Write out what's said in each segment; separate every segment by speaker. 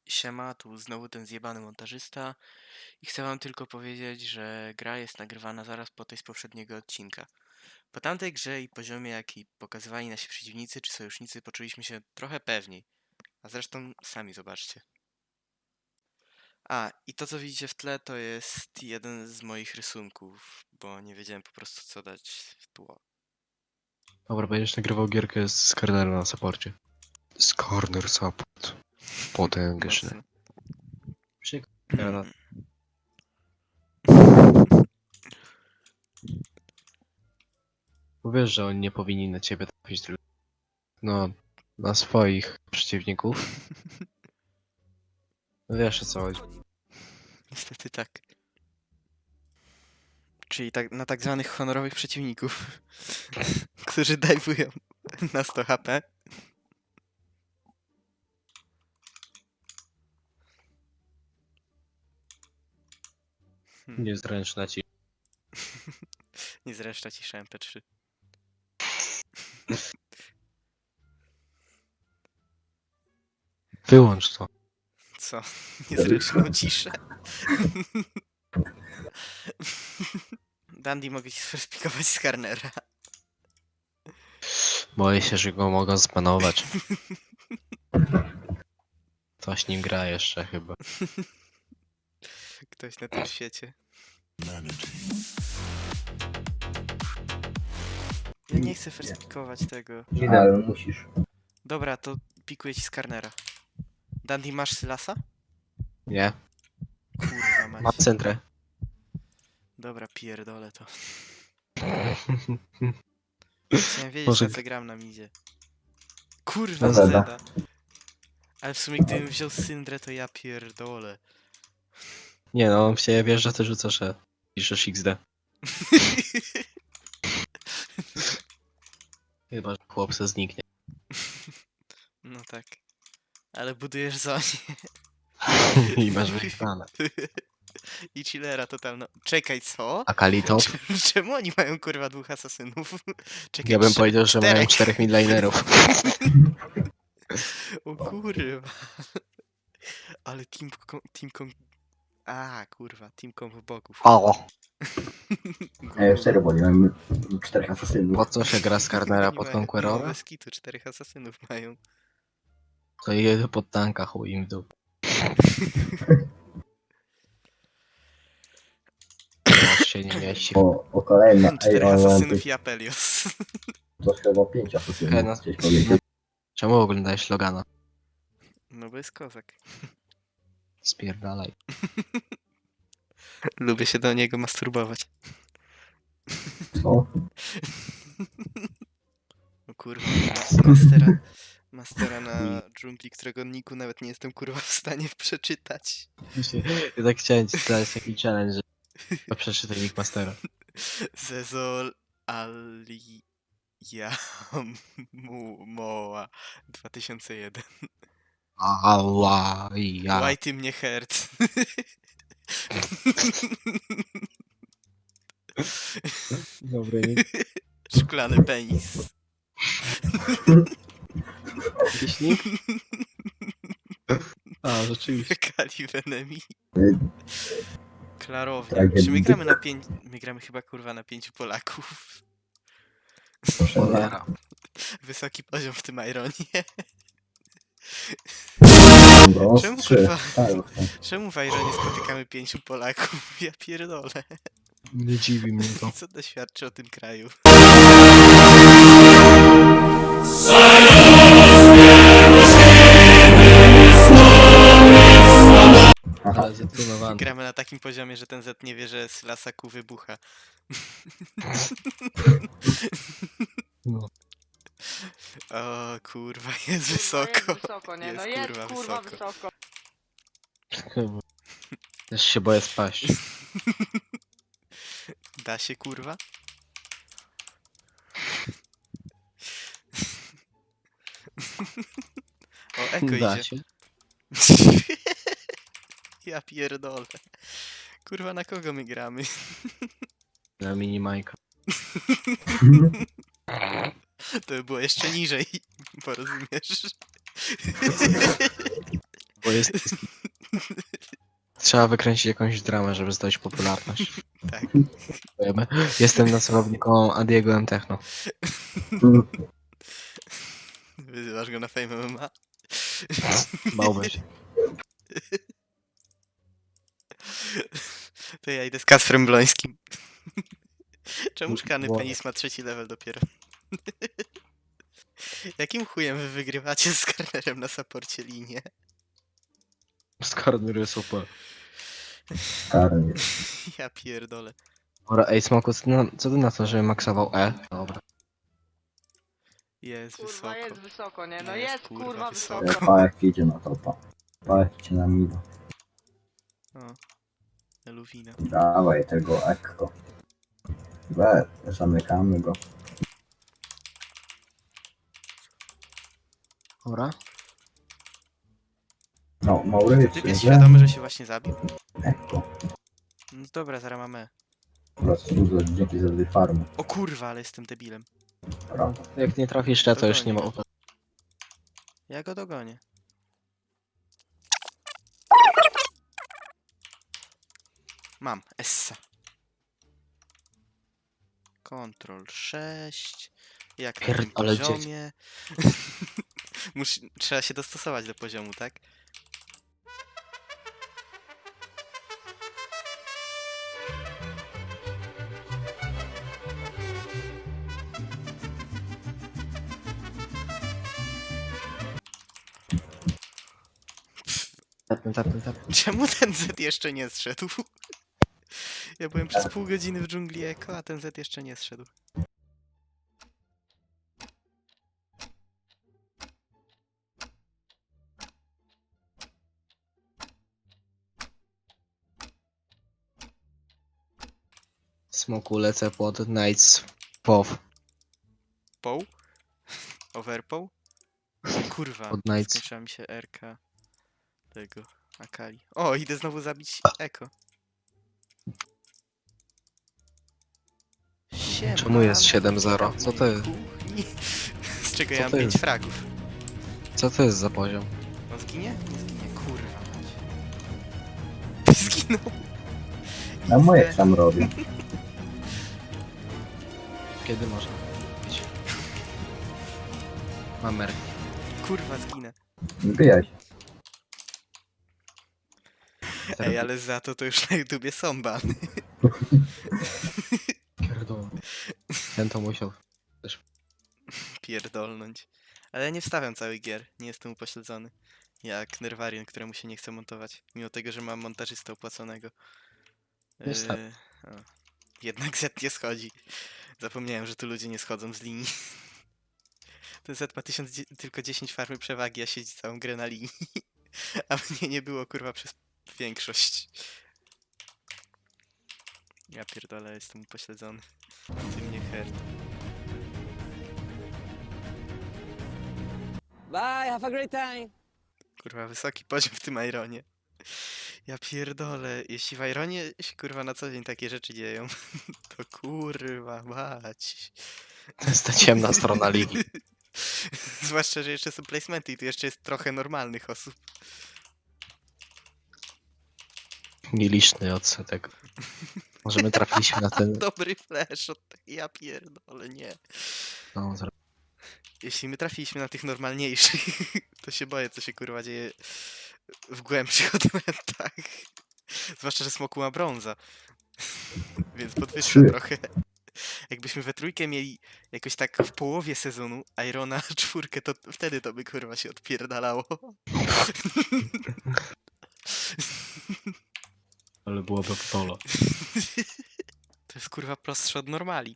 Speaker 1: Siema, tu znowu ten zjebany montażysta i chcę wam tylko powiedzieć, że gra jest nagrywana zaraz po tej z poprzedniego odcinka. Po tamtej grze i poziomie, jaki pokazywali nasi przeciwnicy czy sojusznicy, poczuliśmy się trochę pewniej. A zresztą sami zobaczcie. A, i to co widzicie w tle to jest jeden z moich rysunków, bo nie wiedziałem po prostu co dać w tło.
Speaker 2: Dobra, będziesz nagrywał gierkę z Cornera na supporcie. Z Corner support. Potężny.
Speaker 1: Mocno.
Speaker 2: Przykro. Bo wiesz, że oni nie powinni na ciebie trafić, tylko na swoich przeciwników. No wiesz o co chodzi.
Speaker 1: Niestety tak. Czyli tak, na tak zwanych honorowych przeciwników, którzy dajwują na 100 HP.
Speaker 2: Niezręczna ci.
Speaker 1: Niezręczna cisza MP3.
Speaker 2: Wyłącz to.
Speaker 1: Co? Niezręczną ciszę. Dandy, mogę ci sferspikować z Karnera.
Speaker 2: Boję się, że go mogą zbanować. Ktoś nim gra jeszcze chyba.
Speaker 1: Ktoś na tym świecie. Ja nie chcę ferspikować tego.
Speaker 3: Ale musisz.
Speaker 1: Dobra, to pikuję ci z Karnera. Dandy, masz Sylasa?
Speaker 2: Nie?
Speaker 1: Kurwa
Speaker 2: Mam
Speaker 1: mać.
Speaker 2: centrę.
Speaker 1: Dobra, pierdolę to. Chciałem wiedzieć,
Speaker 2: Może-
Speaker 1: na co gram na midzie. Kurwa,
Speaker 3: No
Speaker 1: Zeda.
Speaker 3: Zeda.
Speaker 1: Ale w sumie gdybym wziął Syndrę, to ja pierdolę.
Speaker 2: Nie no, on w ciebie wjeżdża, ty rzucasz E. Piszesz XD. Chyba, że chłop se zniknie.
Speaker 1: No tak. Ale budujesz zonie.
Speaker 2: I masz wyjebane.
Speaker 1: I chillera totalna. Czekaj, co?
Speaker 2: A Kalitop?
Speaker 1: Czemu oni mają kurwa dwóch asasynów? Czekaj,
Speaker 2: Ja bym powiedział, że mają 4 midlinerów.
Speaker 1: O kurwa. Ale A, kurwa, team combo bogów.
Speaker 2: O!
Speaker 3: Ja serio, bo nie mam 4 asasynów.
Speaker 2: Po co się gra z Cornera
Speaker 1: Oni
Speaker 2: pod
Speaker 1: mają- no,
Speaker 2: Conquerora?
Speaker 1: bez kitu, 4 asasynów mają.
Speaker 2: To jedzie pod tanka, chuj im w dół. Aż się nie mieści.
Speaker 3: O kolejna. Ej,
Speaker 1: 4
Speaker 3: ale mam
Speaker 1: asasynów i Apelios.
Speaker 3: to chyba 5
Speaker 2: Ej,
Speaker 3: asasynów.
Speaker 2: no.
Speaker 3: Chciałeś powiedzieć.
Speaker 2: Czemu oglądałeś Logana?
Speaker 1: No bo jest kozak.
Speaker 2: Spierdalaj.
Speaker 1: Lubię się do niego masturbować.
Speaker 3: Co?
Speaker 1: O kurwa, mastera na dżungli, którego niku nawet nie jestem kurwa w stanie przeczytać.
Speaker 2: Ja tak chciałem ci dać taki challenge, że przeczytaj Nick Mastera.
Speaker 1: Zezol Ali Moa 2001.
Speaker 2: Ała, ja.
Speaker 1: Łaj ty mnie hert.
Speaker 2: Dobry Nick.
Speaker 1: Szklany penis.
Speaker 2: Jakiś Nick? A, rzeczywiście.
Speaker 1: Kali Venemi. Klarownia.
Speaker 3: Tak,
Speaker 1: Czy my
Speaker 3: jak-
Speaker 1: gramy na 5... My gramy chyba kurwa na 5 Polaków.
Speaker 2: Cholera.
Speaker 1: Wysoki poziom w tym Ironie.
Speaker 3: No,
Speaker 1: Czemu,
Speaker 3: 3.
Speaker 1: kurwa?
Speaker 3: Tak,
Speaker 1: Czemu w Ironie spotykamy 5 Polaków? Ja pierdolę.
Speaker 2: Nie dziwi mnie to.
Speaker 1: Co to świadczy o tym kraju?
Speaker 3: Aha.
Speaker 2: Ale zatrudowany.
Speaker 1: Gramy na takim poziomie, że ten Z nie wie, że z lasaku wybucha.
Speaker 2: No.
Speaker 1: O kurwa, jest
Speaker 4: Kurwa,
Speaker 1: wysoko.
Speaker 4: Jest wysoko, nie?
Speaker 1: Jest,
Speaker 4: No jest
Speaker 1: kurwa,
Speaker 4: kurwa
Speaker 1: wysoko.
Speaker 4: wysoko.
Speaker 2: Chyba. Też się boję spaść.
Speaker 1: Da się kurwa? O, eko
Speaker 2: Da
Speaker 1: idzie.
Speaker 2: się.
Speaker 1: Ja pierdolę. Kurwa, na kogo my gramy?
Speaker 2: Na mini Majka.
Speaker 1: To by było jeszcze niżej, porozumiesz?
Speaker 2: Bo jest... Trzeba wykręcić jakąś dramę, żeby zdobyć popularność.
Speaker 1: Tak.
Speaker 2: Wiemy. Jestem nazwowniką Adiego M. Techno.
Speaker 1: Wyzywasz go na Fame MMA?
Speaker 2: Bałbym się.
Speaker 1: To ja idę z Kasprem Blońskim. Czemu szklany
Speaker 2: Wow.
Speaker 1: penis ma 3. level dopiero? Jakim chujem wy wygrywacie z Karnerem na saporcie linię?
Speaker 2: Skarner jest super.
Speaker 3: Karny.
Speaker 1: Ja pierdolę.
Speaker 2: Dobra, ej Smoku, co ty na to, żeby maksował E? Dobra.
Speaker 1: Jest
Speaker 4: Kurwa,
Speaker 1: wysoko.
Speaker 4: jest wysoko, nie? No
Speaker 1: Jest,
Speaker 4: jest,
Speaker 1: kurwa,
Speaker 4: kurwa,
Speaker 1: wysoko.
Speaker 4: wysoko.
Speaker 3: Pajek idzie na topa. Pajek idzie na mida.
Speaker 1: O. Eluwina.
Speaker 3: Dawaj tego ekko. Zamykamy go.
Speaker 2: Dobra.
Speaker 3: No,
Speaker 1: Typ
Speaker 3: Maurycy.
Speaker 1: jest świadomy, że się właśnie zabił?
Speaker 3: Ekko.
Speaker 1: No dobra, zaraz mamy.
Speaker 3: Dzięki za dwie farmy.
Speaker 1: O kurwa, ale jestem debilem.
Speaker 3: Dobra.
Speaker 2: Jak nie trafisz to już nie ma
Speaker 1: Dogonię.
Speaker 2: opłat.
Speaker 1: Ja go dogonię. Mam, Essa. Ctrl 6. Jak na tym
Speaker 2: Pierdolę, dzieci.
Speaker 1: poziomie. Trzeba się dostosować do poziomu, tak?
Speaker 2: Tapnę.
Speaker 1: Czemu ten Z jeszcze nie zszedł? Ja byłem przez pół godziny w dżungli Eko, a ten Z jeszcze nie zszedł.
Speaker 2: Smoku lecę pod Knights POW.
Speaker 1: Poł? Overpoł? Kurwa,
Speaker 2: Pod Knights.
Speaker 1: skończyła mi się RK tego Akali. O, idę znowu zabić Eko.
Speaker 2: Czemu jest
Speaker 1: Siemanko,
Speaker 2: 7-0?
Speaker 1: witam
Speaker 2: Co
Speaker 1: w
Speaker 2: to
Speaker 1: mojej
Speaker 2: jest?
Speaker 1: kuchni. Z czego
Speaker 2: Co
Speaker 1: ja mam
Speaker 2: to
Speaker 1: 5
Speaker 2: jest?
Speaker 1: fragów.
Speaker 2: Co to jest za poziom?
Speaker 1: No zginie? Nie zginie, kurwa mać. Zginął.
Speaker 3: No moje sam robię.
Speaker 2: Kiedy można być? Mamer.
Speaker 1: Kurwa, zginę.
Speaker 3: Wbijaj się.
Speaker 1: Ej, ale za to już na YouTubie są bany.
Speaker 2: Pierdolę. Ten to musiał.
Speaker 1: Pierdolnąć. Ale ja nie wstawiam całych gier, nie jestem upośledzony. Jak Nerwarian, któremu się nie chce montować. Mimo tego, że mam montażystę opłaconego.
Speaker 2: Nie wstaw.
Speaker 1: O. Jednak Z nie schodzi. Zapomniałem, że tu ludzie nie schodzą z linii. Ten Z ma tylko 10 farmy przewagi, a siedzi całą grę na linii. A mnie nie było, kurwa, przez większość. Ja pierdolę, jestem upośledzony. Ty mnie hert.
Speaker 5: Bye, have a great time.
Speaker 1: Kurwa, wysoki poziom w tym Ironie. Ja pierdolę, jeśli w Ironie się kurwa na co dzień takie rzeczy dzieją, to kurwa mać.
Speaker 2: To jest ta ciemna strona ligi.
Speaker 1: Zwłaszcza, że jeszcze są placementy i tu jeszcze jest trochę normalnych osób.
Speaker 2: Nieliczny odsetek. Może my trafiliśmy na ten...
Speaker 1: Dobry flash od tej, ja pierdolę, nie.
Speaker 2: No,
Speaker 1: Jeśli my trafiliśmy na tych normalniejszych, to się boję, co się kurwa dzieje w głębszych odmętach. Zwłaszcza, że Smoku ma brąza. Więc podwyższa
Speaker 3: Trzy.
Speaker 1: trochę. Jakbyśmy we trójkę mieli jakoś tak w połowie sezonu Irona 4, to wtedy to by kurwa się odpierdalało.
Speaker 2: ale byłoby polo.
Speaker 1: To jest kurwa prostsze od normali.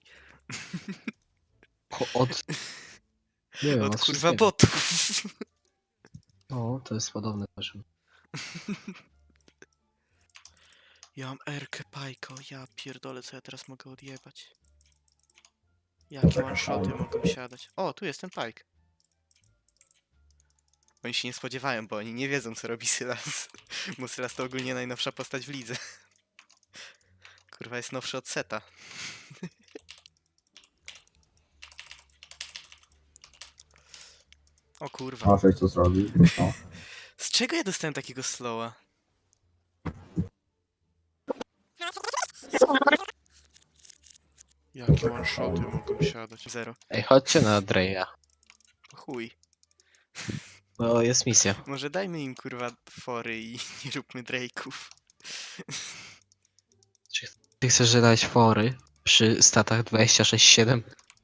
Speaker 2: Od... Nie wiem,
Speaker 1: Od kurwa
Speaker 2: wszystkiego.
Speaker 1: botów.
Speaker 2: No, to jest podobne poziom.
Speaker 1: Ja mam Erkę Pajko, ja pierdolę, co ja teraz mogę odjebać. Jakie one-shoty mogą siadać. O, tu jest ten Pajk. Oni się nie spodziewają, bo oni nie wiedzą, co robi Sylas. Bo Sylas to ogólnie najnowsza postać w lidze. Kurwa, jest nowszy od Seta. O kurwa.
Speaker 3: Możesz co zrobić. No.
Speaker 1: Z czego ja dostałem takiego slowa? Jakie one-shoty mogą siadać? Zero.
Speaker 2: Ej, chodźcie na Dreya.
Speaker 1: Chuj.
Speaker 2: Bo jest misja.
Speaker 1: Może dajmy im kurwa fory i nie róbmy Drake'ów.
Speaker 2: Ty chcesz dać fory przy statach 26-7?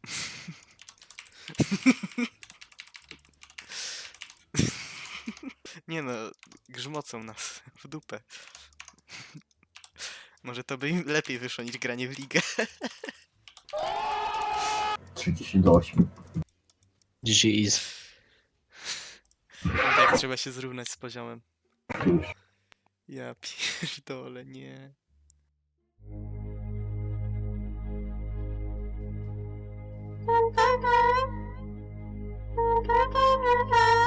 Speaker 1: Nie no, grzmocą nas w dupę. Może to by im lepiej wyszło niż granie w ligę.
Speaker 3: 30-8.
Speaker 2: GG is.
Speaker 1: Tak, trzeba się zrównać z poziomem.
Speaker 3: Już.
Speaker 1: Ja pierdolę, nie.
Speaker 4: Thank you.